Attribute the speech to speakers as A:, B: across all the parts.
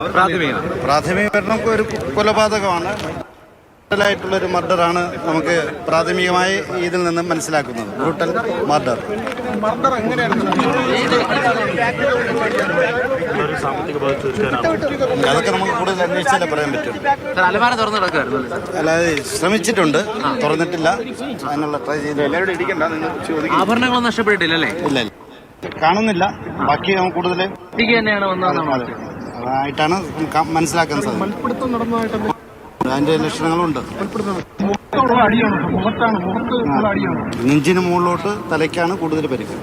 A: പ്രാഥമിക ഒരു കൊലപാതകമാണ്. ായിട്ടുള്ളൊരു മർഡറാണ് നമുക്ക് പ്രാഥമികമായി ഇതിൽ നിന്ന് മനസ്സിലാക്കുന്നത്. Brutal murder. അതൊക്കെ നമുക്ക് കൂടുതൽ അന്വേഷിച്ചാലേ പറയാൻ പറ്റും. അല്ലാതെ ശ്രമിച്ചിട്ടുണ്ട്, തുറന്നിട്ടില്ല. അതിനുള്ള ട്രൈ ചെയ്ത്
B: ആഭരണങ്ങളൊന്നും നഷ്ടപ്പെട്ടിട്ടില്ലല്ലേ?
A: ഇല്ല, കാണുന്നില്ല. ബാക്കി നമുക്ക് കൂടുതൽ ആയിട്ടാണ് മനസ്സിലാക്കാൻ സാധിക്കും. അതിന്റെ ലക്ഷണങ്ങളുണ്ട്. നെഞ്ചിന് മുകളിലോട്ട് തലയ്ക്കാണ് കൂടുതൽ പരിക്ക്.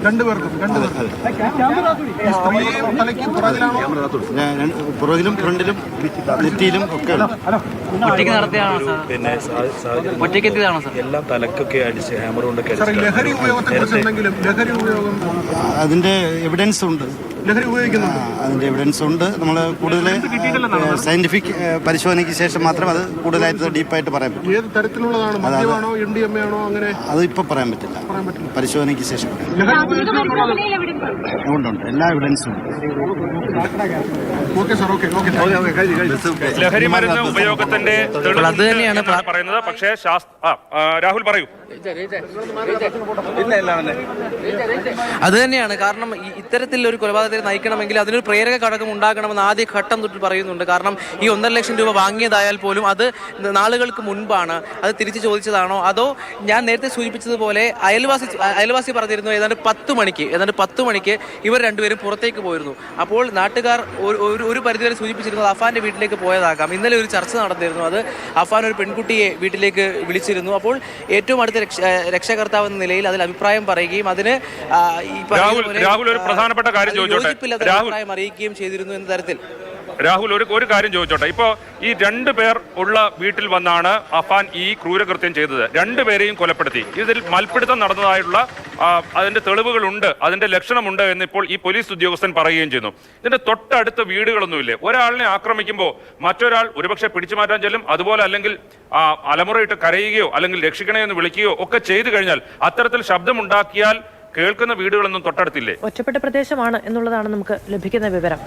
A: പുറകിലും ഫ്രണ്ടിലും നെറ്റിയിലും ഒക്കെ.
C: എല്ലാം തലക്കൊക്കെ അടിച്ച് ഹാമർ കൊണ്ടൊക്കെ.
A: അതിന്റെ എവിഡൻസ് ഉണ്ട്. അതിന്റെ എവിഡൻസ് ഉണ്ട്. നമ്മൾ കൂടുതൽ സയന്റിഫിക് പരിശോധനയ്ക്ക് ശേഷം മാത്രം അത് കൂടുതലായിട്ട് ഡീപ്പായിട്ട് പറയാൻ പറ്റും.
D: ഏത് തരത്തിലുള്ളതാണ്? മദ്യമാണോ MDMA ആണോ? അങ്ങനെ
A: അതിപ്പോ പറയാൻ പറ്റില്ല. പരിശോധനയ്ക്ക് ശേഷം ഉണ്ട്. എല്ലാ എവിഡൻസും ഉണ്ട്.
E: ലഹരി മരുന്ന് ഉപയോഗത്തിന്റെ
B: അത് തന്നെയാണ്
E: പറയുന്നത്. പക്ഷേ രാഹുൽ പറയൂ.
B: അത് തന്നെയാണ് കാരണം ഇത്തരത്തിൽ ഒരു കൊലപാതകത്തെ നയിക്കണമെങ്കിൽ അതിനൊരു പ്രേരക ഘടകം ഉണ്ടാകണമെന്ന് ആദ്യ ഘട്ടം തൊട്ട് പറയുന്നുണ്ട്. കാരണം ഈ 1.5 ലക്ഷം രൂപ വാങ്ങിയതായാൽ പോലും അത് നാളുകൾക്ക് മുൻപാണ്. അത് തിരിച്ചു ചോദിച്ചതാണോ അതോ ഞാൻ നേരത്തെ സൂചിപ്പിച്ചതുപോലെ അയൽവാസി പറഞ്ഞിരുന്നു ഏതാണ്ട് 10 മണിക്ക് ഇവർ രണ്ടുപേരും പുറത്തേക്ക് പോയിരുന്നു. അപ്പോൾ നാട്ടുകാർ ഒരു പരിധിവരെ സൂചിപ്പിച്ചിരുന്നത് അഫാന്റെ വീട്ടിലേക്ക് പോയതാകാം. ഇന്നലെ ഒരു ചർച്ച നടന്നിരുന്നു. അത് അഫാൻ ഒരു പെൺകുട്ടിയെ വീട്ടിലേക്ക് വിളിച്ചിരുന്നു. അപ്പോൾ ഏറ്റവും അടുത്ത രക്ഷകർത്താവ് എന്ന നിലയിൽ അതിൽ അഭിപ്രായം പറയുകയും അതിന് അഭിപ്രായം അറിയിക്കുകയും ചെയ്തിരുന്നു എന്ന തരത്തിൽ.
E: രാഹുൽ, ഒരു കാര്യം ചോദിച്ചോട്ടെ. ഇപ്പോ ഈ 2 പേർ ഉള്ള വീട്ടിൽ വന്നാണ് അഫാൻ ഈ ക്രൂരകൃത്യം ചെയ്തത്. 2 പേരെയും കൊലപ്പെടുത്തി. ഇതിൽ മൽപ്പിടുത്തം നടന്നതായിട്ടുള്ള അതിന്റെ തെളിവുകളുണ്ട്, അതിന്റെ ലക്ഷണമുണ്ട് എന്ന് ഇപ്പോൾ ഈ പോലീസ് ഉദ്യോഗസ്ഥൻ പറയുകയും ചെയ്യുന്നു. ഇതിന്റെ തൊട്ടടുത്ത വീടുകളൊന്നുമില്ലേ? ഒരാളിനെ ആക്രമിക്കുമ്പോൾ മറ്റൊരാൾ ഒരുപക്ഷെ പിടിച്ചു മാറ്റാൻ ചെല്ലും. അതുപോലെ അല്ലെങ്കിൽ അലമുറയിട്ട് കരയുകയോ അല്ലെങ്കിൽ രക്ഷിക്കണേ എന്ന് വിളിക്കുകയോ ഒക്കെ ചെയ്തു കഴിഞ്ഞാൽ അത്തരത്തിൽ ശബ്ദമുണ്ടാക്കിയാൽ കേൾക്കുന്ന വീടുകളൊന്നും തൊട്ടടുത്തില്ലേ?
F: ഒറ്റപ്പെട്ട പ്രദേശമാണ് എന്നുള്ളതാണ് നമുക്ക് ലഭിക്കുന്ന വിവരം.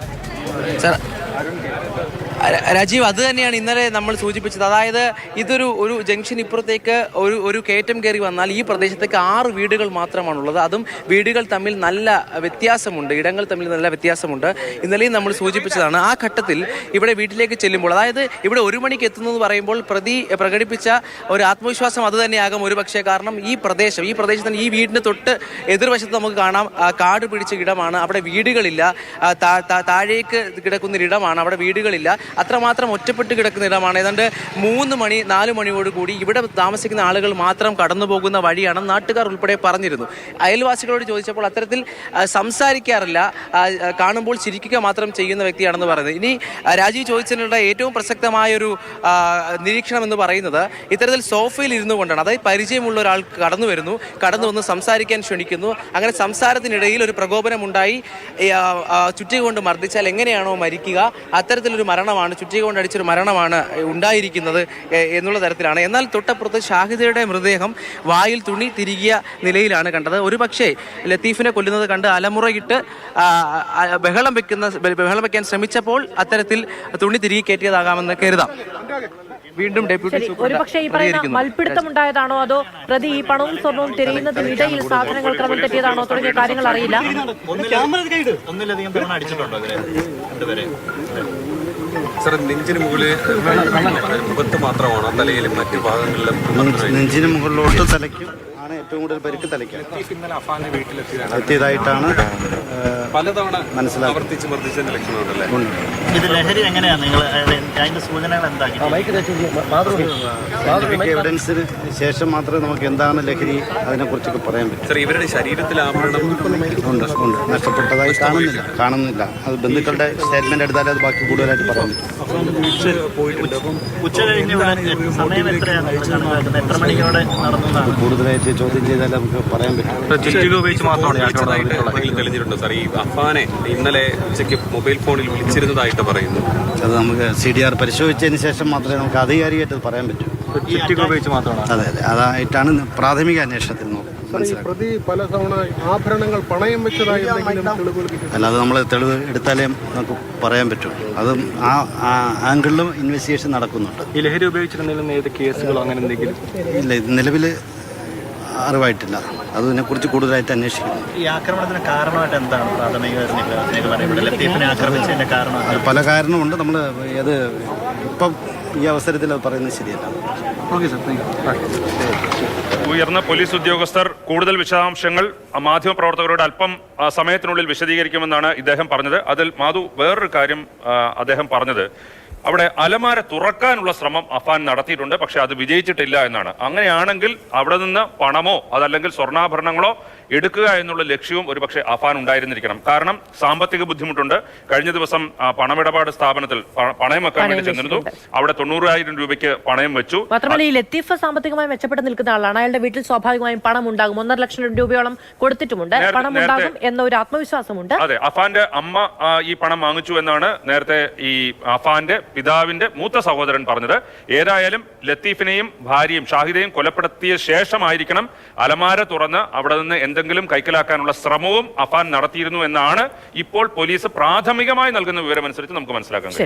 B: രാജീവ്, അത് തന്നെയാണ് ഇന്നലെ നമ്മൾ സൂചിപ്പിച്ചത്. അതായത് ഒരു ജംഗ്ഷൻ ഇപ്പുറത്തേക്ക് ഒരു കയറ്റം കയറി വന്നാൽ ഈ പ്രദേശത്തേക്ക് 6 വീടുകൾ മാത്രമാണുള്ളത്. അതും വീടുകൾ തമ്മിൽ നല്ല വ്യത്യാസമുണ്ട്, ഇടങ്ങൾ തമ്മിൽ നല്ല വ്യത്യാസമുണ്ട്. ഇന്നലെയും നമ്മൾ സൂചിപ്പിച്ചതാണ്. ആ ഘട്ടത്തിൽ ഇവിടെ വീട്ടിലേക്ക് ചെല്ലുമ്പോൾ, അതായത് ഇവിടെ 1 മണിക്ക് എത്തുന്നത് പറയുമ്പോൾ പ്രതി പ്രകടിപ്പിച്ച ഒരു ആത്മവിശ്വാസം അത് തന്നെയാകും ഒരുപക്ഷെ. കാരണം ഈ പ്രദേശത്തിന് ഈ വീടിന് തൊട്ട് എതിർവശത്ത് നമുക്ക് കാണാം കാട് പിടിച്ച ഇടമാണ്. അവിടെ വീടുകളില്ല. താഴേക്ക് കിടക്കുന്നൊരിടമാണ്, അവിടെ വീടുകളില്ല. അത്രമാത്രം ഒറ്റപ്പെട്ട് കിടക്കുന്ന ഇടമാണ്. ഏതാണ്ട് 3 മണി 4 മണിയോടുകൂടി ഇവിടെ താമസിക്കുന്ന ആളുകൾ മാത്രം കടന്നു പോകുന്ന വഴിയാണെന്ന് നാട്ടുകാർ ഉൾപ്പെടെ പറഞ്ഞിരുന്നു. അയൽവാസികളോട് ചോദിച്ചപ്പോൾ അത്തരത്തിൽ സംസാരിക്കാറില്ല, കാണുമ്പോൾ ചിരിക്കുക മാത്രം ചെയ്യുന്ന വ്യക്തിയാണെന്ന് പറയുന്നത്. ഇനി രാജീവ് ചോദിച്ചതിനുള്ള ഏറ്റവും പ്രസക്തമായൊരു നിരീക്ഷണം എന്ന് പറയുന്നത് ഇത്തരത്തിൽ സോഫയിൽ ഇരുന്നു കൊണ്ടാണ്. അതായത് പരിചയമുള്ള ഒരാൾ കടന്നു വന്ന് സംസാരിക്കാൻ ക്ഷണിക്കുന്നു. അങ്ങനെ സംസാരത്തിനിടയിൽ ഒരു പ്രകോപനമുണ്ടായി. ചുറ്റിക കൊണ്ട് മർദ്ദിച്ചാൽ എങ്ങനെയാണോ മരിക്കുക അത്തരത്തിലൊരു മരണമാണ്, ചുറ്റിക കൊണ്ട് അടിച്ചൊരു മരണമാണ് ഉണ്ടായിരിക്കുന്നത് എന്നുള്ള തരത്തിലാണ്. എന്നാൽ തൊട്ടപ്പുറത്ത് ഷാഹിദയുടെ മൃതദേഹം വായിൽ തുണി തിരികിയ നിലയിലാണ് കണ്ടത്. ഒരു പക്ഷേ ലത്തീഫിനെ കൊല്ലുന്നത് കണ്ട് അലമുറയിട്ട് ബഹളം വയ്ക്കാൻ ശ്രമിച്ചപ്പോൾ അത്തരത്തിൽ തുണി തിരികെ കയറ്റിയതാകാമെന്ന് കരുതാം. വീണ്ടും
F: ഒരുപക്ഷെ ഈ പറയുന്ന മൽപ്പിടുത്തം ഉണ്ടായതാണോ അതോ പ്രതി ഈ പണവും സ്വർണവും തിരയുന്നതിനിടയിൽ സാധനങ്ങൾ ക്രമം തെറ്റിയതാണോ തുടങ്ങിയ കാര്യങ്ങൾ അറിയില്ല.
C: നെഞ്ചിന് മുകളിൽ മുഖത്ത് മാത്രമാണോ തലയിലും മറ്റു ഭാഗങ്ങളിലും?
A: നെഞ്ചിന് മുകളിലോട്ട് തലയ്ക്കും ആണ് ഏറ്റവും കൂടുതൽ പരിക്ക്. തലയ്ക്കാണ് എത്തിയതായിട്ടാണ്
C: പലതവണ
A: മനസ്സിലാക്കി.
G: ഇത് ലഹരി എങ്ങനെയാണ് നിങ്ങൾ അതിന്റെ സൂചനകൾ എന്താ?
A: എവിഡൻസിന് ശേഷം മാത്രമേ നമുക്ക് എന്താണ് ലഹരി അതിനെക്കുറിച്ചൊക്കെ പറയാൻ പറ്റും.
C: ഇവരുടെ ശരീരത്തിൽ ആഭരണം
A: ഉണ്ട്, നഷ്ടപ്പെട്ടതായി കാണുന്നില്ല. അത് ബന്ധുക്കളുടെ സ്റ്റേറ്റ്മെന്റ് എടുത്താൽ അത് ബാക്കി കൂടുതലായിട്ട് പറയാൻ പറ്റും.
G: ഉച്ച കഴിഞ്ഞ് സമയം എത്രയാണ്? എത്ര മണിയോടെ നടന്നതാണ്?
A: കൂടുതലായിട്ട് ചോദ്യം ചെയ്താൽ നമുക്ക് പറയാൻ പറ്റും.
C: തെളിഞ്ഞിട്ടുണ്ട് സാർ. ഈ അഫാനെ ഇന്നലെ ഉച്ചയ്ക്ക് മൊബൈൽ ഫോണിൽ വിളിച്ചിരുന്നതായിട്ട് പറയുന്നു.
A: അത് നമുക്ക് CDR പരിശോധിച്ചതിന് ശേഷം മാത്രമേ നമുക്ക് ആധികാരികമായിട്ട് പറയാൻ പറ്റൂ.
G: ഉപയോഗിച്ച് മാത്രമാണ്.
A: അതെ, അതായിട്ടാണ് പ്രാഥമിക അന്വേഷണത്തിൽ നോക്കുന്നത്.
D: ഈ പ്രതി പല തവണ ആഭരണങ്ങൾ പണയം വെച്ചതായി എന്തെങ്കിലും തെളിവുകൾ കിട്ടി?
A: അല്ലാതെ നമ്മൾ തെളിവ് എടുത്താലേ നമുക്ക് പറയാൻ പറ്റും. അതും ആ ആംഗിളിലും ഇൻവെസ്റ്റിഗേഷൻ നടക്കുന്നുണ്ട്.
H: ഈ ലഹരി ഉപയോഗിച്ചിരുന്നതിലും ഏത് കേസുകളോ അങ്ങനെ എന്തെങ്കിലും?
A: ഇല്ല, ഇത് നിലവിൽ അറിവായിട്ടില്ല. അതിനെക്കുറിച്ച് കൂടുതലായിട്ട് അന്വേഷിക്കുന്നു.
G: ഈ ആക്രമണത്തിന് കാരണമായിട്ട് എന്താണ് പ്രാഥമിക ലത്തീഫിനെ ആക്രമിച്ചതിന്റെ കാരണം?
A: അത് പല കാരണമുണ്ട്. നമ്മൾ അത് ഇപ്പം ഈ അവസരത്തിൽ അത് പറയുന്നത് ശരിയല്ല.
H: Okay sir, thank you.
E: ഉയർന്ന പോലീസ് ഉദ്യോഗസ്ഥർ കൂടുതൽ വിശദാംശങ്ങൾ മാധ്യമപ്രവർത്തകരോട് അല്പം സമയത്തിനുള്ളിൽ വിശദീകരിക്കുമെന്നാണ് ഇദ്ദേഹം പറഞ്ഞത്. അതിൽ മാധു വേറൊരു കാര്യം അദ്ദേഹം പറഞ്ഞത്, അവിടെ അലമാര തുറക്കാനുള്ള ശ്രമം അഫാൻ നടത്തിയിട്ടുണ്ട്, പക്ഷെ അത് വിജയിച്ചിട്ടില്ല എന്നാണ്. അങ്ങനെയാണെങ്കിൽ അവിടെ നിന്ന് പണമോ അതല്ലെങ്കിൽ സ്വർണ്ണാഭരണങ്ങളോ എടുക്കുക എന്നുള്ള ലക്ഷ്യവും ഒരുപക്ഷെ അഫാൻ ഉണ്ടായിരുന്നിരിക്കണം. കാരണം സാമ്പത്തിക ബുദ്ധിമുട്ടുണ്ട്. കഴിഞ്ഞ ദിവസം പണമിടപാട് സ്ഥാപനത്തിൽ പണയം വെക്കാൻ വേണ്ടി ചെന്നിരുന്നു. അവിടെ 90,000 രൂപയ്ക്ക് പണയം വെച്ചു.
F: മാത്രമല്ല ഈ ലത്തീഫ് സാമ്പത്തികമായി മെച്ചപ്പെട്ട് നിൽക്കുന്ന ആളാണ്. അയാളുടെ വീട്ടിൽ സ്വാഭാവികമായും പണം ഉണ്ടാകും. 1.5 ലക്ഷം രൂപയോളം കൊടുത്തിട്ടുമുണ്ട്. പണം ഉണ്ടാകും എന്ന ഒരു ആത്മവിശ്വാസമുണ്ട്.
E: അതെ, അഫാന്റെ അമ്മ ഈ പണം വാങ്ങിച്ചു എന്നാണ് നേരത്തെ ഈ അഫാന്റെ പിതാവിന്റെ മൂത്ത സഹോദരൻ പറഞ്ഞത്. ഏതായാലും ലത്തീഫിനെയും ഭാര്യയും ഷാഹിദയും കൊലപ്പെടുത്തിയ ശേഷമായിരിക്കണം അലമാര തുറന്ന് അവിടെ നിന്ന് എന്തെങ്കിലും കൈക്കലാക്കാനുള്ള ശ്രമവും അഫാൻ നടത്തിയിരുന്നു എന്നാണ് ഇപ്പോൾ പോലീസ് പ്രാഥമികമായി നൽകുന്ന വിവരമനുസരിച്ച് നമുക്ക് മനസ്സിലാക്കാൻ കഴിയും.